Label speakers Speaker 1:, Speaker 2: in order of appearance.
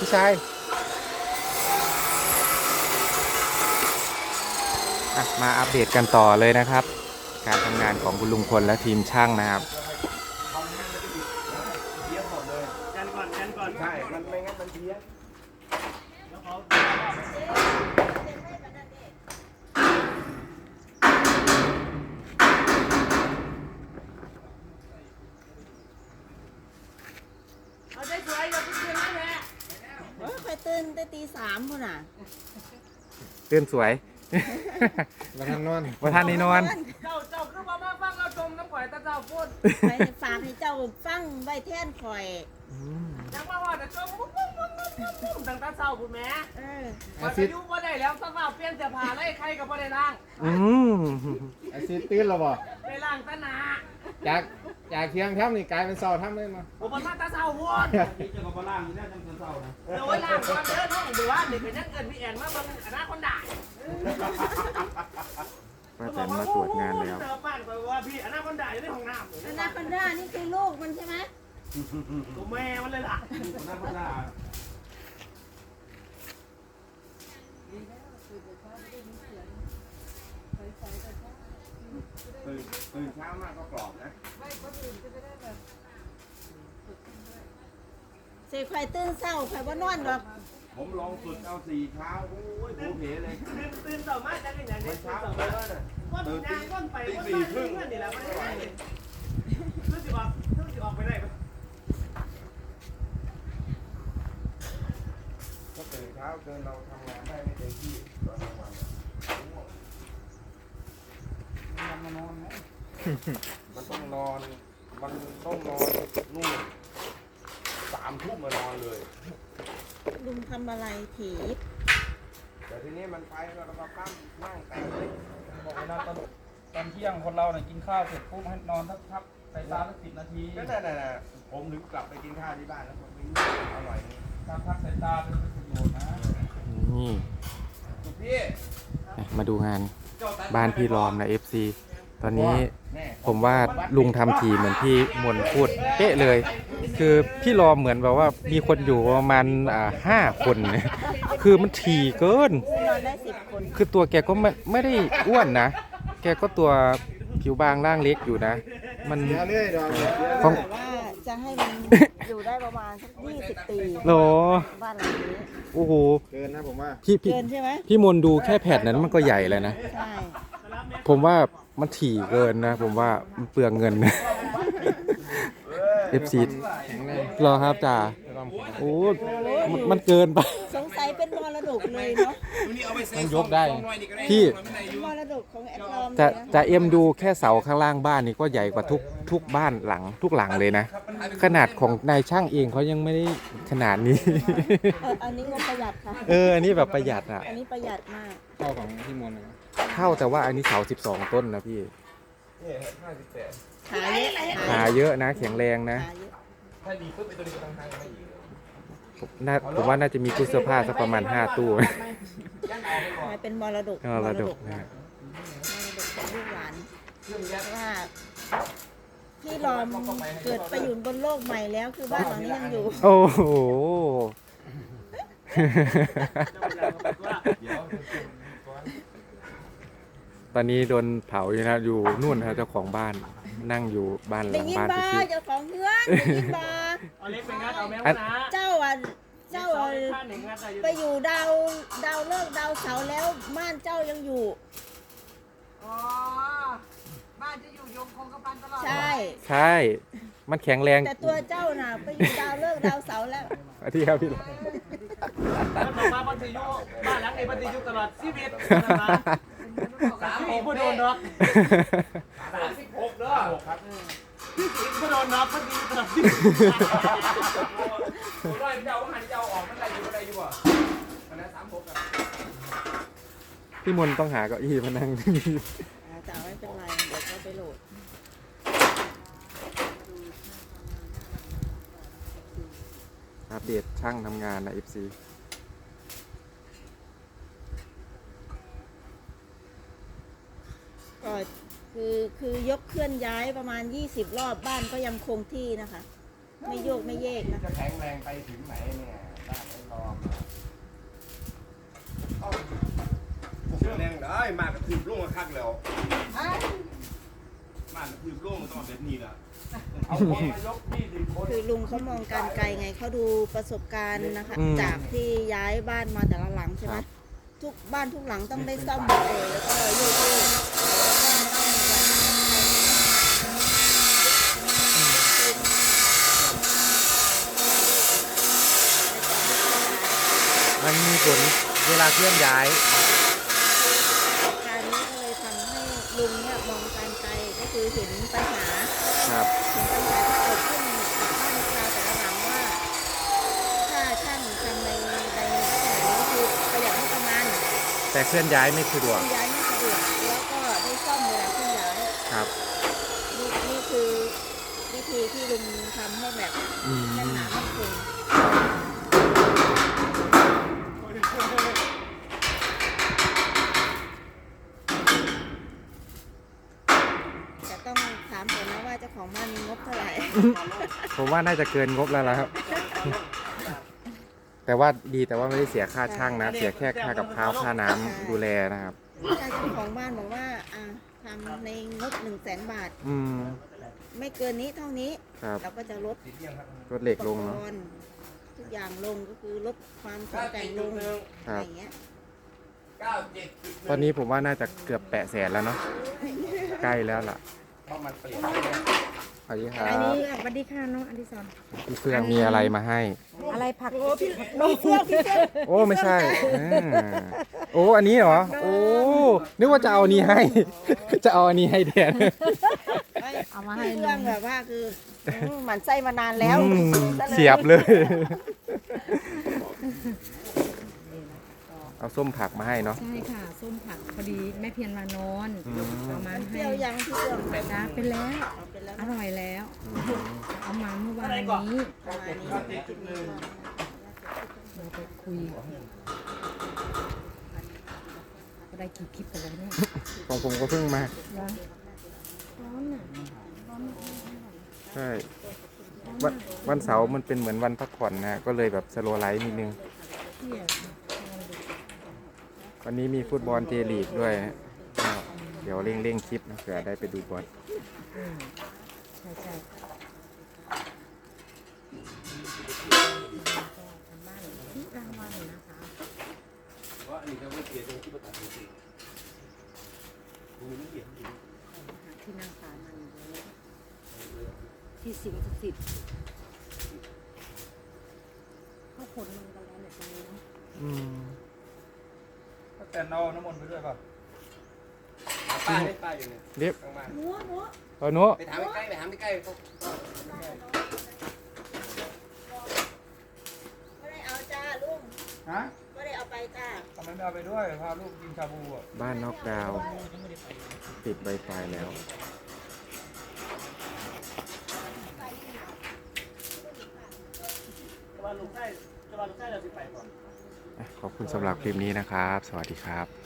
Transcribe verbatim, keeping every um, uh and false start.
Speaker 1: พี่ชายมาอัปเดตกันต่อเลยนะครับ การทำงานของคุณลุงพลและทีมช่างนะครับ
Speaker 2: กันก่อนกันก่อนใช่มันไม่งั้นมันเพี้ยเอาใจสวยอย่าเพิ่งเตือนนะแม่
Speaker 3: เออไปตื่นแต่ตีสามพุ่นน่ะ
Speaker 1: ตื่นสวย
Speaker 4: มาทานนอน
Speaker 1: มาทานนี่นอน
Speaker 2: เจ้าเจ้าคือมามาฟังเราจมน้ำข่อยตาเจ้าพูด
Speaker 3: ไปฝากให้เจ้าฟังใบแท่นข่อย
Speaker 2: ยังมาว่าแต่จมปุ๊บปุ๊บปุ๊บปุ๊บปุ๊บตั้งตาเจ้าพูดแม่
Speaker 3: เออ
Speaker 2: มาอายุบ่ได้แล้วสักว่าเปลี่ยนเสื้อผ้าเลยใครก็บ่ได้ล้าง
Speaker 1: อืม
Speaker 4: ไอซีตื่นแล้วบ่
Speaker 2: ไปล้างตาหนา
Speaker 4: จากจากเที่ยงค่ำนี่กลายเป็นเสาร์ค่ำเลยมั้ง
Speaker 2: ผมมันมาตาเจ้าพูดพี่จะมาล้างอยู่แน่จังเจ้านะเดี๋ยวล้างก่อนเด้อน้องดูว่าเด็กเป็นนักเกินพี่แอนมาเบิ่งอนาคตด่า
Speaker 1: ป้าแตนมาตรวจงานแล้ว
Speaker 2: เจอป้านไปว่าพี่อนาคตด่าอยู่ในห้องน้ำ
Speaker 3: อนาคอนด้านี่คือลูกมันใช่ไหม
Speaker 2: ตัวแม่มันเลยล่ะอนาคตด่า
Speaker 4: ตื่นตื่นเช้ามากก็กรอบนะ
Speaker 3: เสกข่อยตื่นเศร้าข่อยว่านอนหรอก
Speaker 4: ผมลองสุดเอาสี่เช้าโอ้ยโผเพเลย
Speaker 2: ตื่นตื่นต่อมาจะเป็นอย่างนี้
Speaker 4: เช้า
Speaker 2: ต่อมาก้นยางก้นไปก้นมาเพื่อนนี่แหละไม่ได้เพื่อนสิออกเพื่อนสิออกไปได้ปะ
Speaker 4: ก็ตื่นเช้าเกินเราทำงานได้ไม่เต็มที่ตอนกลางวันมันนอนไหมมันต้องนอนมันต้องนอนนู่นสามทุ่มมานอนเลย
Speaker 3: ลุงทำอะไรผี
Speaker 4: แต่ทีนี้มันไปแล้วเราก็ตั้งนั่งแต่งเลย
Speaker 5: บอกว่าตอนตอนเที่ยงคนเราเนี่ยกินข้าวเสร็จปุ๊บให้นอนสักพักใส่ตาสักสิบนาที
Speaker 4: ก็นั่นน่ะผมถึงกลับไปกินข้าวที่บ้านแล้วผมวิ่งอร่อยนี่
Speaker 5: การพักสายตาเป็นประโยชน์นะ
Speaker 1: นี่
Speaker 4: พี่
Speaker 1: มาดูงานบ้านพี่รอมนะ เอฟ ซี ตอนนี้ผมว่าลุงทำทีเหมือนพี่มนพูดเป๊ะเลย คือพี่รอมเหมือนแบบว่ามีคนอยู่ประมาณอ่าห้าคนคือมันถี่เกิน
Speaker 3: นอนได้สิบคน
Speaker 1: คือตัวแกก็ไม่ไม่ได้อ้วนนะแกก็ตัวผิวบางร่างเล็กอยู่นะ มัน
Speaker 3: ของว่าจะให้มันอยู่ได้ประมาณสักยี่สิบปี
Speaker 1: โห
Speaker 3: บ้านหลังนี้
Speaker 1: โอ้โห
Speaker 4: เกินนะผมว่า
Speaker 1: พี่พี่
Speaker 3: เกินใช่ไหม
Speaker 1: พี่มนดูแค่แผ่นนั้นมันก็ใหญ่เลยนะ
Speaker 3: ใช่
Speaker 1: ผมว่ามันถี่เกินนะผมว่ามันเปลืองเงินนะเอฟซีรอครับจ่าโอ้มันเกินไป
Speaker 3: สงสัยเป็นมรดกเลยเนาะ
Speaker 1: มันยกได้พี่
Speaker 3: มรดกของแอดลอม
Speaker 1: จะจะเอ็มดูแค่เสาข้างล่างบ้านนี่ก็ใหญ่กว่าทุกทุกบ้านหลังทุกหลังเลยนะขนาดของนายช่างเองเขายังไม่ได้ขนาดนี้
Speaker 3: อันนี้ก็ประหยัดค่ะ
Speaker 1: เอออันนี้แบบประหยัดอ่ะ
Speaker 3: อันนี้ประหยัดมาก
Speaker 4: เท่าของพี่มนเลย
Speaker 1: เท่าแต่ว่าอันนี้เสาสิบสองต้นนะพี่
Speaker 3: ขาเยอะ
Speaker 1: ขาเยอะนะแข็งแรงนะ
Speaker 4: ถ้าดีขึ้นไปตัวนี้ก็ต้องทำไปอีก
Speaker 1: น่าผมว่าน่าจะมีตู้เสื้อผ้าสักประมาณห้าตู้
Speaker 3: เป็นมรดก
Speaker 1: มรดกนะ
Speaker 3: มรดกของลูกหลานว่าพี่รอมเกิดไปอยู่บนโลกใหม่แล้วคือบ้านหลังนี้ยังอยู่
Speaker 1: โอ้โหตอนนี้โดนเผาอยู่นะอยู่นู่นนะเจ้าของบ้านนั่งอยู่บ้านหลังบ้าน
Speaker 3: ที่เจ้าของเฮือนได้ยินบ่
Speaker 2: เอาเล็กไปงัดเอาแมวนะ
Speaker 3: เจ้าอ่ะเจ้าไปอยู่ดาวดาวเลิกดาวเสาแล้วบ้านเจ้ายังอยู่
Speaker 2: อ๋อบ้านจะอยู่ยงคงกระพันตลอด
Speaker 3: ใช่
Speaker 1: ใช่มันแข็งแรง
Speaker 3: แต่ตัวเจ้าน่ะไปอยู่ดาวเลิกดาวเสาแล้ว
Speaker 1: ที่ครับพี่
Speaker 2: มันบอกมาบันทึกอยู่บ้านหลังนี้บันทึกอยู่ตลอดชีวิตสามหกผู้โดนดอกสามสิบหกเด้อครับผู้โดนดอกบันทึกตลอดชีวิตผู้ร้อยเจ้าหันเจ้าออกมันอะไรอยู่อะไรอยู่บ่อันนั้นสามหกครับ
Speaker 1: พี่มนต้องหาเก้าอี้มานั่งที่นี่
Speaker 3: จะไม่เป็นไรเดี๋ยวเขาไปโหลด
Speaker 1: อัปเดตช่างทำงานนะ เอฟ ซี
Speaker 3: ก็คือคือยกเคลื่อนย้ายประมาณยี่สิบรอบบ้านก็ยังคงที่นะคะไม่โยกไม่เยกนะ
Speaker 4: จะแข็งแรงไปถึงไหนเนี่ยตแรงได้มากระทืบลงมาคักแล้วมากระทืบลงมันต้องแบบนี้ละ
Speaker 5: เอาคนมายกยี่สิบคน
Speaker 3: คือลุงเขามองการไกลไงเขาดูประสบการณ์นะคะ
Speaker 1: อืม
Speaker 3: จากที่ย้ายบ้านมาแต่ละหลังใช่ไหม
Speaker 1: ครับ
Speaker 3: ทุกบ้านทุกหลังต้องได้ซ่อมหมดเลยแล้วก็โยกๆ
Speaker 1: มันมีผลเวลาเคลื่อนย้าย
Speaker 3: การนี้ก็เลยทำให้ลุงเนี่ยมองการไกลก็คือเห็นปัญหา
Speaker 1: ครับ
Speaker 3: เห็นปัญหาที่เกิดขึ้นกับบ้านชาวแต่ละหลังว่า ถ้าช่างทำในในลักษณะนี้คือประหยัดงบประมาณ
Speaker 1: แต่เคลื่อนย้ายไม่สะดวก
Speaker 3: ย้ายไม่สะดวกแล้วก็ได้ซ่อมเวลาเคลื่อนย้าย
Speaker 1: ครับ
Speaker 3: นี่นี่คือวิธีที่ลุงทำให้แบบ
Speaker 1: อืม
Speaker 3: แน่นหนามั่นคงแต่ต้องถามก่อนนะว่าเจ้าของบ้านมีงบเท่าไหร่
Speaker 1: ผมว่าน่าจะเกินงบแล้วล่ะครับ แต่ว่าดีแต่ว่าไม่ได้เสียค่าช่างนะ เสียแค่ค่ากับข้าวค่าน้ำดูแลนะครับ
Speaker 3: ถ้าเจ้าของบ้านบอกว่าอ่าทำในงบหนึ่งแสนบาท
Speaker 1: อืม
Speaker 3: ไม่เกินนี้เท่านี้
Speaker 1: ครับ
Speaker 3: เราก็จะลด
Speaker 1: รถเหล็กลง
Speaker 3: อุป
Speaker 1: เนาะ
Speaker 3: กรณ์ทุกอย่างลงก็คือลดความแข็งแกร่งลง
Speaker 1: ค
Speaker 3: อะ
Speaker 1: รั
Speaker 3: ไร
Speaker 1: บ
Speaker 3: อย่างเงี้ย
Speaker 4: เก้าเจ็ดจุดห
Speaker 1: ตอนนี้ผมว่าน่าจะเกือบแปะแสนแล้วเนาะ ใกล้แล้วล่ะ
Speaker 4: เพราะมันเปลี่ยน
Speaker 1: สวัสดีครั
Speaker 6: อัน
Speaker 1: บ
Speaker 6: นี้สวัสดีค่ะน้องอดิศร
Speaker 1: พี่เฟื่องมีอะไรมาให้
Speaker 6: อะไรผัก
Speaker 3: มีเสื้อพี่เสื้อ
Speaker 1: โอ้ไม่ใช่อ่าโอ้อันนี้เหรอ โอ้ นึกว่าจะเอาอันนี้ให้ จะเอาอันนี้ให้แทน
Speaker 6: เอามาให้
Speaker 3: พี่
Speaker 6: ลุ
Speaker 3: เรื่อง
Speaker 6: ง
Speaker 3: แบบว่าคืออืมหมันไส้มานานแล้ว
Speaker 1: อืม
Speaker 3: ซะล
Speaker 1: เสียบเลย เอาส้มผักมาให้เนาะ
Speaker 6: ใช่ค่ะ ส้มผักพอดีแม่เพียรมานอน
Speaker 1: อืม
Speaker 6: เอามา
Speaker 3: เป
Speaker 6: ให้
Speaker 3: รี้ยวยังพี่เรื่อง
Speaker 6: จ้าเป็นแล้ว
Speaker 3: เอาเป็นแล้ว
Speaker 6: อร่อยแล้ว
Speaker 1: อืม
Speaker 6: เอามาเมื่อวานนี้
Speaker 3: ประมาณนี้
Speaker 6: เราไปคุยก็ได้กี่คลิปไปแล้วเนี่ย
Speaker 1: ของผมก็เพิ่งมา
Speaker 6: ร้อนร้อนอ่ะร้อนมาก
Speaker 1: ใช่ วันวันเสาร์มันเป็นเหมือนวันพักผ่อนนะ ก็เลยแบบสโลว์ไลท์นิดนึง
Speaker 6: เที่ยง
Speaker 1: วันนี้มีฟุตบอลเจลีกด้วยนะก็เดี๋ยวเร่งเร่งๆคลิปนะเผื่อได้ไปดูบอล
Speaker 6: อืมใช่ใช่ทำบ้านที่รางวัลนะคะ
Speaker 4: ว่าอันนี้ก็ไม่เปลี่ยนตรงที่ประตูสิคุณไม่เปลี่ยนจริง
Speaker 6: ที่นั่งสามันที่สิงสถิตเขาขนมันกันแล้วเนี่ยตรงนี้เนาะ
Speaker 1: อืม
Speaker 5: แต่เอาน้ำมนต์ไปด้วยป่ะ
Speaker 4: ป้าได้ป้าอยู่เนี่ย
Speaker 1: เรียบ
Speaker 4: ข้างบ้าน
Speaker 3: หัวหัว
Speaker 1: ตอนนู้
Speaker 4: ไปถามใกล้ๆไปถามใกล้ๆเขา
Speaker 3: ไม่ได้เอาจ้าลุง
Speaker 5: ฮะ
Speaker 3: ไม่ได้เอาไปจ้า
Speaker 5: ทำไมไม่เอาไปด้วยพาลูกกินชาบูอ่ะ
Speaker 1: บ้านนอกดาวน์ปิด Wi-Fi แล้ว
Speaker 2: จะมาลูกใต้จะมาลูกใต้เราสิไปก่อน
Speaker 1: ขอบคุณสำหรับคลิปนี้นะครับ สวัสดีครับ